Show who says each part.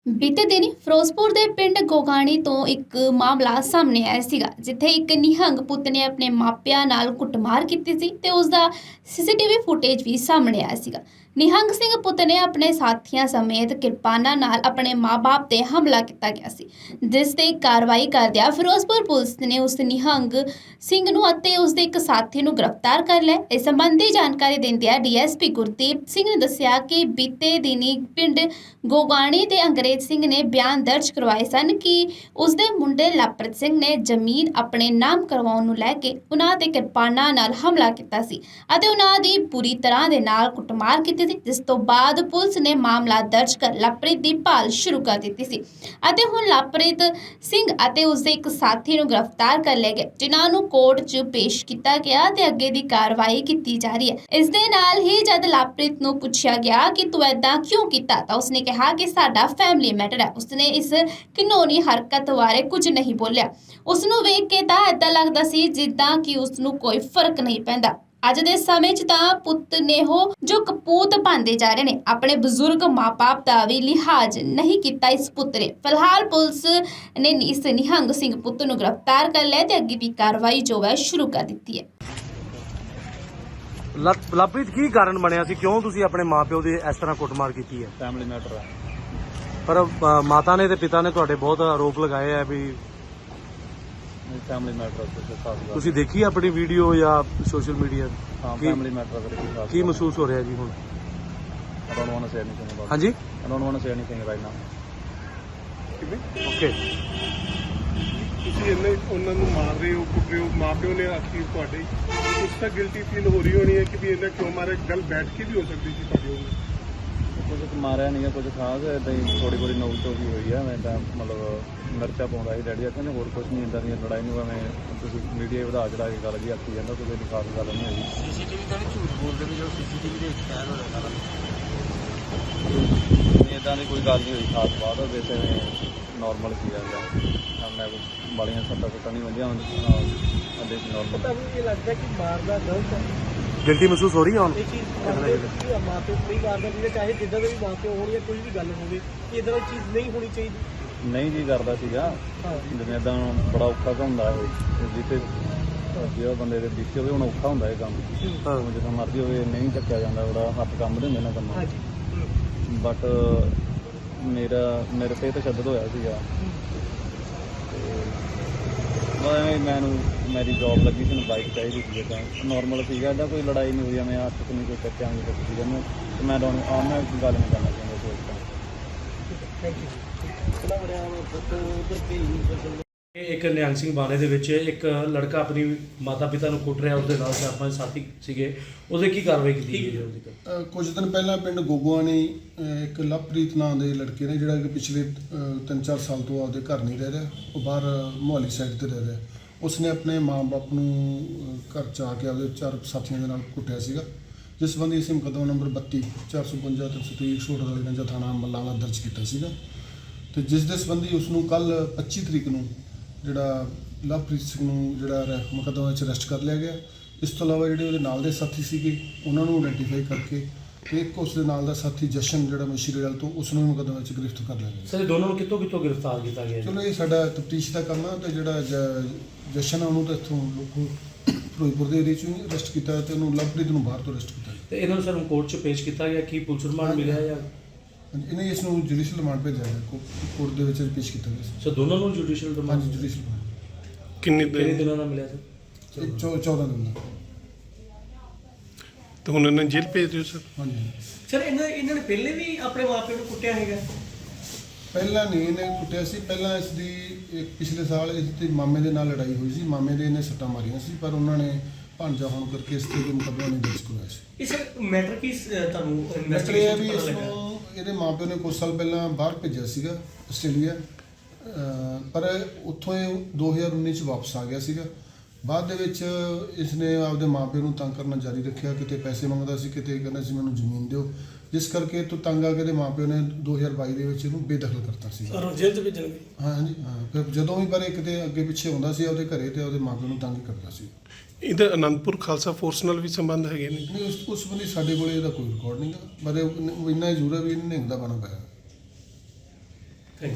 Speaker 1: ਬੀਤੇ ਦਿਨ ਫਿਰੋਜ਼ਪੁਰ ਦੇ ਪਿੰਡ ਗੋਗਾਣੀ ਤੋਂ ਇੱਕ ਮਾਮਲਾ ਸਾਹਮਣੇ ਆਇਆ ਸੀਗਾ ਜਿੱਥੇ ਇੱਕ ਨਿਹੰਗ ਪੁੱਤ ਨੇ ਆਪਣੇ ਮਾਪਿਆਂ ਨਾਲ ਕੁੱਟਮਾਰ ਕੀਤੀ ਸੀ ਤੇ ਉਸ ਦਾ ਸੀਸੀਟੀਵੀ ਫੁਟੇਜ ਵੀ ਸਾਹਮਣੇ ਆਇਆ ਸੀਗਾ। ਨਿਹੰਗ ਸਿੰਘ ਪੁੱਤ ਨੇ ਆਪਣੇ ਸਾਥੀਆਂ ਸਮੇਤ ਕਿਰਪਾਨਾਂ ਨਾਲ ਆਪਣੇ ਮਾਂ-ਬਾਪ ਤੇ ਹਮਲਾ ਕੀਤਾ ਗਿਆ ਸੀ, ਜਿਸ ਤੇ ਕਾਰਵਾਈ ਕਰਦਿਆਂ ਫਿਰੋਜ਼ਪੁਰ ਪੁਲਿਸ ਨੇ ਉਸ ਨਿਹੰਗ ਸਿੰਘ ਨੂੰ ਅਤੇ ਉਸ ਦੇ ਇੱਕ ਸਾਥੀ ਨੂੰ ਗ੍ਰਿਫਤਾਰ ਕਰ ਲਿਆ। ਇਸ ਸੰਬੰਧੀ ਜਾਣਕਾਰੀ ਦਿੰਦਿਆਂ ਡੀਐਸਪੀ ਗੁਰਦੀਪ ਸਿੰਘ ਨੇ ਦੱਸਿਆ ਕਿ ਬੀਤੇ ਦਿਨੀ ਪਿੰਡ ਗੋਗਾਣੀ ਦੇ ਅੰਗਰੇਜ਼ ਸਿੰਘ ਨੇ ਬਿਆਨ ਦਰਜ ਕਰਵਾਏ ਸਨ ਕਿ ਉਸ ਦੇ ਮੁੰਡੇ ਲਵਪ੍ਰੀਤ ਸਿੰਘ ਨੇ ਜ਼ਮੀਨ ਆਪਣੇ ਨਾਮ ਕਰਵਾਉਣ ਨੂੰ ਲੈ ਕੇ ਉਹਨਾਂ ਤੇ ਕਿਰਪਾਨਾਂ ਨਾਲ ਹਮਲਾ ਕੀਤਾ ਸੀ ਅਤੇ ਉਹਨਾਂ ਦੀ ਪੂਰੀ ਤਰ੍ਹਾਂ ਦੇ ਨਾਲ ਕੁੱਟਮਾਰ ਕੀਤੀ ਸੀ, ਜਿਸ ਤੋਂ ਬਾਅਦ ਪੁਲਿਸ ਨੇ ਮਾਮਲਾ ਦਰਜ ਕਰ ਲਵਪ੍ਰੀਤ ਦੀ ਭਾਲ ਸ਼ੁਰੂ ਕਰ ਦਿੱਤੀ ਸੀ ਅਤੇ ਹੁਣ ਲਵਪ੍ਰੀਤ ਸਿੰਘ ਅਤੇ ਉਸ ਦੇ ਇੱਕ ਸਾਥੀ ਨੂੰ ਗ੍ਰਿਫਤਾਰ ਕਰ ਲਿਆ ਗਿਆ, ਜਿਨ੍ਹਾਂ ਨੂੰ ਕੋਰਟ 'ਚ ਪੇਸ਼ ਕੀਤਾ ਗਿਆ ਤੇ ਅੱਗੇ ਦੀ ਕਾਰਵਾਈ ਕੀਤੀ ਜਾ ਰਹੀ ਹੈ। ਇਸ ਦੇ ਨਾਲ ਹੀ ਜਦ ਲਵਪ੍ਰੀਤ ਨੂੰ ਪੁੱਛਿਆ ਗਿਆ ਕਿ ਤੂੰ ਏਦਾਂ ਕਿਉਂ ਕੀਤਾ ਤਾਂ ਉਸਨੇ ਕਿਹਾ ਕਿ ਸਾਡਾ ਫੈਮਿਲੀ ਮੈਟਰ ਹੈ। ਉਸਨੇ ਇਸ ਘਿਨੌਣੀ ਹਰਕਤ ਬਾਰੇ ਕੁਝ ਨਹੀਂ ਬੋਲਿਆ। ਉਸ ਨੂੰ ਵੇਖ ਕੇ ਤਾਂ ਏਦਾਂ ਲੱਗਦਾ ਸੀ ਜਿੱਦਾਂ ਕਿ ਉਸ ਨੂੰ ਕੋਈ ਫਰਕ ਨਹੀਂ ਪੈਂਦਾ। ਅੱਜ ਦੇ ਸਮੇਂ 'ਚ ਤਾਂ ਪੁੱਤ ਨੇ ਉਹ ਜੋ ਕਪੂਤ ਪਾਉਂਦੇ ਜਾ ਰਹੇ ਨੇ, ਆਪਣੇ ਬਜ਼ੁਰਗ ਮਾਂ-ਬਾਪ ਦਾ ਵੀ ਲਿਹਾਜ਼ ਨਹੀਂ ਕੀਤਾ ਇਸ ਪੁੱਤ ਨੇ। ਫਿਲਹਾਲ ਪੁਲਿਸ ਨੇ ਇਸ ਨਿਹੰਗ ਸਿੰਘ ਪੁੱਤ ਨੂੰ ਗ੍ਰਿਫਤਾਰ ਕਰ ਲਿਆ ਤੇ ਅੱਗੇ ਦੀ ਕਾਰਵਾਈ ਜੋ ਹੈ ਸ਼ੁਰੂ ਕਰ ਦਿੱਤੀ ਹੈ।
Speaker 2: ਲਵਪ੍ਰੀਤ ਕੀ ਕਾਰਨ ਬਣਿਆ ਸੀ, ਕਿਉਂ ਤੁਸੀਂ ਆਪਣੇ ਮਾਪਿਓ ਦੀ ਇਸ ਤਰ੍ਹਾਂ ਕੁੱਟਮਾਰ ਕੀਤੀ ਹੈ?
Speaker 3: ਫੈਮਿਲੀ ਮੈਟਰ ਹੈ।
Speaker 2: ਪਰ ਮਾਤਾ ਨੇ ਤੇ ਪਿਤਾ ਨੇ ਤੁਹਾਡੇ ਬਹੁਤ ਆਰੋਪ ਲਗਾਏ ਆ ਵੀ
Speaker 3: ਫੈਮਿਲੀ ਮੈਟਰ
Speaker 2: ਤੁਸੀਂ ਦੇਖੀ ਆਪਣੀ ਵੀਡੀਓ ਜਾਂ ਸੋਸ਼ਲ ਮੀਡੀਆ?
Speaker 3: ਹਾਂ, ਫੈਮਿਲੀ ਮੈਟਰ
Speaker 2: ਕੀ ਮਹਿਸੂਸ ਹੋ ਰਿਹਾ ਜੀ ਹੁਣ?
Speaker 3: I don't want to say anything about it.
Speaker 2: ਹਾਂਜੀ,
Speaker 3: I don't want to say anything right now.
Speaker 2: Okay.
Speaker 4: ਤੁਸੀਂ ਇੰਨੇ ਉਹਨਾਂ ਨੂੰ ਮਾਰ ਰਹੇ ਹੋ, ਕੁੱਟ ਰਹੇ ਹੋ, ਮਾਪਿਓ ਨੇ ਆਖੀ ਤੁਹਾਡੇ ਕੁਝ ਤਾਂ ਗਿਲਟੀ ਫੀਲ ਹੋ ਰਹੀ ਹੋਣੀ ਹੈ ਕਿ ਵੀ ਇਹਨਾਂ ਕਿਉਂ ਮਾਰੇ? ਗੱਲ ਬੈਠ ਕੇ ਵੀ ਹੋ ਸਕਦੀ ਸੀ ਤੁਹਾਡੀ ਉਹਨੂੰ।
Speaker 3: ਕੁਝ ਮਾਰਿਆ ਨਹੀਂ ਹੈ, ਕੁਝ ਖਾਸ ਇੱਦਾਂ ਹੀ ਥੋੜੀ ਨੋਕ ਤੋਂ ਵੀ ਹੋਈ ਹੈ। ਮੈਂ ਤਾਂ ਮਤਲਬ ਮਿਰਚਾ ਪਾਉਂਦਾ ਸੀ ਡੈਡੀ ਕਹਿੰਦੇ ਹੋਰ ਕੁਝ ਨਹੀਂ, ਇੱਦਾਂ ਦੀਆਂ ਲੜਾਈ ਨੂੰ ਮੈਂ ਤੁਸੀਂ ਮੀਡੀਆ ਵਧਾ ਚੜਾ ਕੇ ਗੱਲ ਜੀ ਆਖੀ ਜਾਂਦਾ, ਕੋਈ ਖਾਸ ਗੱਲ ਨਹੀਂ ਹੋਈ।
Speaker 5: ਸੀਸੀਟੀਵੀ ਤਾਂ ਨਹੀਂ ਝੂਠ ਬੋਲਦੇ ਵੀ ਜੋ ਸੀਸੀਟੀਵੀ ਦੇ ਵਿੱਚ ਕੈਦ ਹੋ ਰਿਹਾ
Speaker 3: ਨਹੀਂ, ਇੱਦਾਂ ਦੀ ਕੋਈ ਗੱਲ ਨਹੀਂ ਹੋਈ ਖਾਸ ਬਾਤ। ਵੈਸੇ ਨਾਰਮਲ ਸੀ ਜਾਂਦਾ, ਮੈਂ ਬਾਲੀਆਂ ਸੱਟਾਂ ਨਹੀਂ ਵੰਦੀਆਂ ਅੱਡੇ ਨਾਰਮਲ।
Speaker 5: ਤੁਹਾਨੂੰ ਇਹ ਲੱਗਦਾ ਕਿ ਮਾਰਦਾ ਗਲਤ ਹੈ?
Speaker 2: ਗਿਲਟੀ ਮਹਿਸੂਸ ਹੋ ਰਹੀ ਹੈ ਹੁਣ?
Speaker 5: ਇਹ ਚੀਜ਼ ਕਰਦੇ ਕਿ ਮਾਪੇ ਕੋਈ ਕਰਦਾ ਵੀ ਚਾਹੇ ਜਿੱਦਾਂ ਦੇ ਵੀ ਮਾਪੇ ਹੋਣ ਜਾਂ ਕੋਈ ਵੀ ਗੱਲ ਹੋਵੇ ਕਿ ਇਦਾਂ ਦੀ ਚੀਜ਼ ਨਹੀਂ ਹੋਣੀ ਚਾਹੀਦੀ।
Speaker 3: ਨਹੀਂ ਜੀ ਕਰਦਾ ਸੀਗਾ, ਜਿਵੇਂ ਇੱਦਾਂ ਬੜਾ ਔਖਾ ਹੁੰਦਾ ਇਹ ਜਿੱਥੇ ਜਿਹੜਾ ਬੰਦੇ ਦੇ ਵਿੱਚ ਹੋਵੇ ਹੁਣ ਔਖਾ ਹੁੰਦਾ ਇਹ ਕੰਮ। ਜਦੋਂ ਮਰਜ਼ੀ ਹੋਵੇ ਨਹੀਂ ਚੱਕਿਆ ਜਾਂਦਾ, ਬੜਾ ਹੱਥ ਕੰਬਦੇ ਹੁੰਦੇ ਨਾ ਕੰਮ। ਬਟ ਮੇਰੇ ਤੇ ਤਸ਼ੱਦਦ ਹੋਇਆ ਸੀਗਾ ਤੇ ਮੈਨੂੰ ਮੇਰੀ ਜੌਬ ਲੱਗੀ ਸੀ, ਬਾਈਕ ਚਾਹੀਦੀ ਸੀ, ਤਾਂ ਨਾਰਮਲ ਸੀਗਾ, ਇਹਦਾ ਕੋਈ ਲੜਾਈ ਨਹੀਂ ਹੋਈ। ਮੈਂ ਹੱਥ ਤੋਂ ਨਹੀਂ ਕੋਈ ਚੱਕਿਆ ਨਹੀਂ ਕੁਛ ਸੀਗਾ। ਮੈਂ ਮੈਂ ਗੱਲ ਨਹੀਂ ਕਰਨਾ ਚਾਹੁੰਦਾ ਸੀ ਉਸ ਟਾਈਮ।
Speaker 6: ਇੱਕ ਨਿਹੰਗ ਸਿੰਘ ਬਾਣੇ ਦੇ ਵਿੱਚ ਇੱਕ ਲੜਕਾ ਆਪਣੀ ਮਾਤਾ ਪਿਤਾ ਨੂੰ ਕੁੱਟ ਰਿਹਾ, ਉਸਦੇ ਨਾਲ 4-5 ਸਾਥੀ ਸੀਗੇ, ਉਹਦੇ ਕੀ ਕਾਰਵਾਈ ਕੀਤੀ ਗਈ ਹੈ? ਉਹਦੀ
Speaker 7: ਕੁਝ ਦਿਨ ਪਹਿਲਾਂ ਪਿੰਡ ਗੋਗੋਆਣੀ ਇੱਕ ਲਵਪ੍ਰੀਤ ਨਾਂ ਦੇ ਲੜਕੇ ਨੇ ਜਿਹੜਾ ਕਿ ਪਿਛਲੇ 3-4 ਸਾਲ ਤੋਂ ਆਪਦੇ ਘਰ ਨਹੀਂ ਰਹਿ ਰਿਹਾ, ਉਹ ਬਾਹਰ ਮੁਹਾਲੀ ਸਾਈਡ ਤੇ ਰਹਿ ਰਿਹਾ। ਉਸਨੇ ਆਪਣੇ ਮਾਂ-ਬਾਪ ਨੂੰ ਘਰ 'ਚ ਆ ਕੇ ਆਪਦੇ 4 ਸਾਥੀਆਂ ਦੇ ਨਾਲ ਕੁੱਟਿਆ ਸੀਗਾ, ਜਿਸ ਸੰਬੰਧੀ ਅਸੀਂ ਮੁਕੱਦਮਾ ਨੰਬਰ 32 452 323 128 ਰੰਜਾ ਥਾਣਾ ਮੱਲਾਂਵਾਲਾ ਦਰਜ ਕੀਤਾ ਸੀਗਾ ਤੇ ਜਿਸ ਦੇ ਸੰਬੰਧੀ ਉਸ ਨੂੰ ਕੱਲ 25 ਤਰੀਕ ਨੂੰ ਜਿਹੜਾ ਲਵਪ੍ਰੀਤ ਸਿੰਘ ਨੂੰ ਜਿਹੜਾ ਮੁਕੱਦਮਾ ਵਿੱਚ ਅਰੈਸਟ ਕਰ ਲਿਆ ਗਿਆ। ਇਸ ਤੋਂ ਇਲਾਵਾ ਜਿਹੜੇ ਉਹਦੇ ਨਾਲ ਦੇ ਸਾਥੀ ਸੀਗੇ ਉਹਨਾਂ ਨੂੰ ਆਇਡੈਂਟੀਫਾਈ ਕਰਕੇ ਤੇ ਇੱਕ ਉਸ ਦੇ ਨਾਲ ਦਾ ਸਾਥੀ ਜਸ਼ਨ ਜਿਹੜਾ ਮਸ਼ੀਰੇਵਾਲ ਤੋਂ ਉਸ ਨੂੰ ਮੁਕੱਦਮੇ ਵਿੱਚ ਗ੍ਰਿਫਤਾਰ ਕਰ ਲਿਆ ਗਿਆ।
Speaker 6: ਸਰ, ਦੋਨਾਂ ਨੂੰ ਕਿੱਥੋਂ ਗ੍ਰਿਫਤਾਰ ਕੀਤਾ ਗਿਆ?
Speaker 7: ਚਲੋ ਇਹ ਸਾਡਾ ਤਫਤੀਸ਼ ਦਾ ਕੰਮ ਹੈ ਤੇ ਜਿਹੜਾ ਜਸ਼ਨ ਆ ਉਹਨੂੰ ਤਾਂ ਇੱਥੋਂ ਲੋਕੋ ਫਿਰੋਜ਼ਪੁਰ ਦੇ ਏਰੀਏ 'ਚੋਂ ਅਰੈਸਟ ਕੀਤਾ ਤੇ ਉਹਨੂੰ ਲਵਪ੍ਰੀਤ ਨੂੰ ਬਾਹਰ ਤੋਂ ਅਰੈਸਟ ਕੀਤਾ।
Speaker 6: ਤੇ ਇਹਨਾਂ ਨੂੰ ਸਰ ਕੋਰਟ 'ਚ ਪੇਸ਼ ਕੀਤਾ ਗਿਆ, ਕੀ ਪੁਲਿਸ ਰਿਮਾਂਡ ਮਿਲਿਆ ਜਾਂ
Speaker 7: ਇਹਨੇ ਇਸ ਨੂੰ ਜੁਡੀਸ਼ੀਅਲ ਰਿਮਾਂਡ ਭੇਜਿਆ ਗਿਆ, ਕੋਰਟ ਦੇ ਵਿੱਚ ਪੇਸ਼ ਕੀਤਾ ਗਿਆ ਸੀ।
Speaker 6: ਸਰ ਦੋਨਾਂ ਨੂੰ ਜੁਡੀਸ਼ੀਅਲ ਰਿਮਾਂਡ?
Speaker 7: ਹਾਂਜੀ, ਜੁਡੀਸ਼ੀਅਲ ਰਿਮਾਂਡ।
Speaker 4: ਕਿੰਨੇ
Speaker 6: ਦਿਨਾਂ ਦਾ ਮਿਲਿਆ ਸਰ?
Speaker 7: 14 ਦਿਨ ਦਾ।
Speaker 4: ਤਾਂ ਹੁਣ ਇਹਨਾਂ ਜੇਲ੍ਹ ਭੇਜ ਦਿਓ ਸਰ?
Speaker 7: ਹਾਂਜੀ
Speaker 5: ਸਰ ਇਹਨਾਂ ਨੇ ਪਹਿਲੇ ਵੀ ਆਪਣੇ ਮਾਪਿਆਂ ਨੂੰ ਕੁੱਟਿਆ ਹੈਗਾ?
Speaker 7: ਪਹਿਲਾਂ ਨਹੀਂ ਇਹਨੇ ਕੁੱਟਿਆ ਸੀ, ਪਹਿਲਾਂ ਇਸ ਦੀ ਪਿਛਲੇ ਸਾਲ ਇਸ ਦੀ ਮਾਮੇ ਦੇ ਨਾਲ ਲੜਾਈ ਹੋਈ ਸੀ, ਮਾਮੇ ਦੇ ਇਹਨੇ ਸੱਟਾਂ ਮਾਰੀਆਂ ਸੀ, ਪਰ ਉਹਨਾਂ ਨੇ ਭਾਂਜਾ ਹੋਣ ਕਰਕੇ ਇਸ ਤੇ ਮੁਕੱਦਮਾ ਨਹੀਂ ਦਰਜ ਕਰਵਾਇਆ ਸੀ।
Speaker 5: ਇਹ ਸਰ ਮੈਟਰ ਕੀ ਤੁਹਾਨੂੰ
Speaker 7: ਮੈਟਰ ਇਹ ਹੈ ਵੀ ਇਸ ਨੂੰ ਇਹਦੇ ਮਾਪਿਆਂ ਨੇ ਕੁਝ ਸਾਲ ਪਹਿਲਾਂ ਬਾਹਰ ਭੇਜਿਆ ਸੀਗਾ ਆਸਟ੍ਰੇਲੀਆ, ਪਰ ਉੱਥੋਂ ਇਹ 2019 'ਚ ਵਾਪਸ ਆ ਗਿਆ ਸੀਗਾ। ਬਾਅਦ ਦੇ ਵਿੱਚ ਇਸਨੇ ਆਪਦੇ ਮਾਪਿਆਂ ਨੂੰ ਤੰਗ ਕਰਨਾ ਜਾਰੀ ਰੱਖਿਆ, ਕਿਤੇ ਪੈਸੇ ਮੰਗਦਾ ਸੀ, ਕਿਤੇ ਕਹਿੰਦਾ ਸੀ ਮੈਨੂੰ ਜ਼ਮੀਨ ਦਿਓ, ਜਿਸ ਕਰਕੇ ਤੋਂ ਤੰਗ ਆ ਕੇ ਇਹਦੇ ਮਾਪਿਆਂ ਨੇ 2022 ਦੇ ਵਿੱਚ ਇਹਨੂੰ ਬੇਦਖਲ ਕਰਤਾ ਸੀ।
Speaker 5: ਜੇਲ੍ਹ 'ਚ ਭੇਜਣਗੇ?
Speaker 7: ਹਾਂਜੀ ਹਾਂ, ਫਿਰ ਜਦੋਂ ਵੀ ਪਰ ਇਹ ਕਿਤੇ ਅੱਗੇ ਪਿੱਛੇ ਹੁੰਦਾ ਸੀ ਉਹਦੇ ਘਰੇ ਤੇ ਉਹਦੇ ਮਾਪਿਆਂ ਨੂੰ ਤੰਗ ਕਰਦਾ ਸੀ।
Speaker 4: ਇਹਦਾ ਅਨੰਦਪੁਰ ਖਾਲਸਾ ਫੋਰਸ ਨਾਲ ਵੀ ਸੰਬੰਧ ਹੈਗੇ ਨੇ?
Speaker 7: ਨਹੀਂ, ਉਸ ਸੰਬੰਧੀ ਸਾਡੇ ਕੋਲ ਇਹਦਾ ਕੋਈ ਰਿਕਾਰਡ ਨਹੀਂ ਗਾ, ਪਰ ਇੰਨਾ ਜ਼ਰੂਰ ਹੈ ਵੀ ਇਹਨੇ ਨਿਹੰਗ ਦਾ ਬਣਾ ਪਾਇਆ।